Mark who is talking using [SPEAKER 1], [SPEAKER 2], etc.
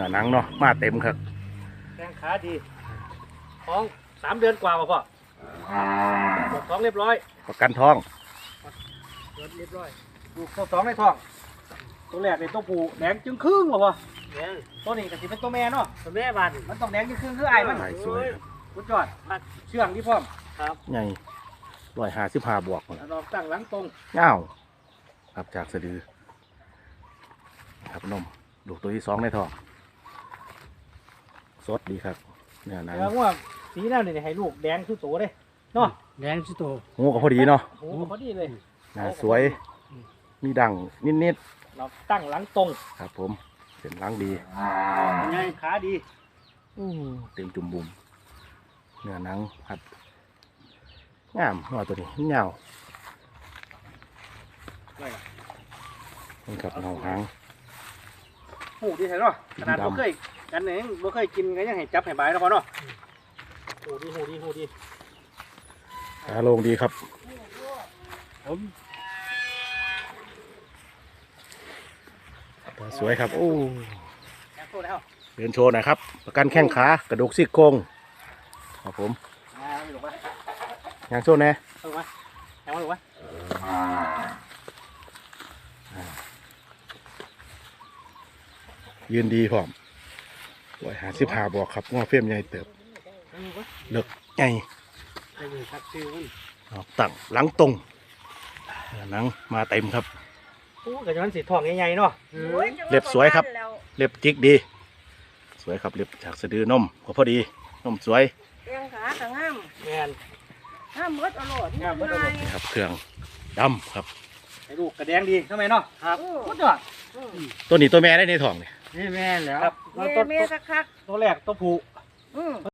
[SPEAKER 1] อหนังเนาะมาเต็มครับ
[SPEAKER 2] แข้งขาดีท้อง3 เดือนกว่าพ่อปวดท้องเรียบร้อย
[SPEAKER 1] ประกันท้อง
[SPEAKER 2] เรียบร้อยลูกตัว2ในท้องตัวแรกเป็นตัวผู้แดงจึงครึ่งหรอพ่อตัวนี้ก็สิเป็นตัวแม่เนาะตัวแม่บานมันต้องแดงจึงครึ่งคือไอ้มัน
[SPEAKER 1] สวย
[SPEAKER 2] สุดยอดเชื่องที่พร้อมครับ
[SPEAKER 1] ใหญ่155 บวก
[SPEAKER 2] ดอกตั้งหลังตรง
[SPEAKER 1] เงาครับจากสะดือครับนมลูกตัวที่2ในท้องสดดีครับเนี่ยหนัง
[SPEAKER 2] แล้วว่าสีหน้าเนี่ยให้ลูกแดงคือโตเลยเนาะแดงคือโต
[SPEAKER 1] หูก็พอดีเนาะ
[SPEAKER 2] หูก็พอดีเลย
[SPEAKER 1] สวยมีดังนิด
[SPEAKER 2] ๆเราตั้งหลังตรง
[SPEAKER 1] ครับผมเส้นหลังดี
[SPEAKER 2] ไงขาดี
[SPEAKER 1] เต็มจุ่มบุ่มเนื้อหนังผัดงามหัวตัวนี้เงานี่ครับเงาหาง
[SPEAKER 2] หูดีใช่เนาะขนาดบ่เคยกันเองบ่เคยกินก็ยังให้จับให้บายแล้วพอเนาะหูดี
[SPEAKER 1] ขาลงดีครับ
[SPEAKER 2] ผม
[SPEAKER 1] สวยครับโอ้เดินโชว์หน่อยครับประกันแข้งขากระดูกซี่โครงครับผมยางโชว์แน่ยืนดีพร้อม155 บวกครับง้อเฟี้ยมใหญ่เติบเลิกใหญ่ตั้งหลังตรงหนังมาเต็มครับ
[SPEAKER 2] โอ้กระชอนสีทองใหญ่ๆเนาะ
[SPEAKER 1] เล็บสวยครับเล็บจิกดีสวยครับเล็บจากสะดือนมก็พอดีนมสวย
[SPEAKER 3] แข้งขาก็งาม
[SPEAKER 2] แม่น
[SPEAKER 3] งามเบิดอร่อย
[SPEAKER 2] งามเบิดอร่อย
[SPEAKER 1] นี่ครับเครื่องดำครับ
[SPEAKER 2] ไอ้ลูกกระแดงดีทำไมเนาะครับสุดยอด
[SPEAKER 1] ตัวนี้ตัวแม่ได้ในท้องนี่
[SPEAKER 2] แม่แล้ว
[SPEAKER 3] แม่คัก
[SPEAKER 2] ตัวแรกตัวผู้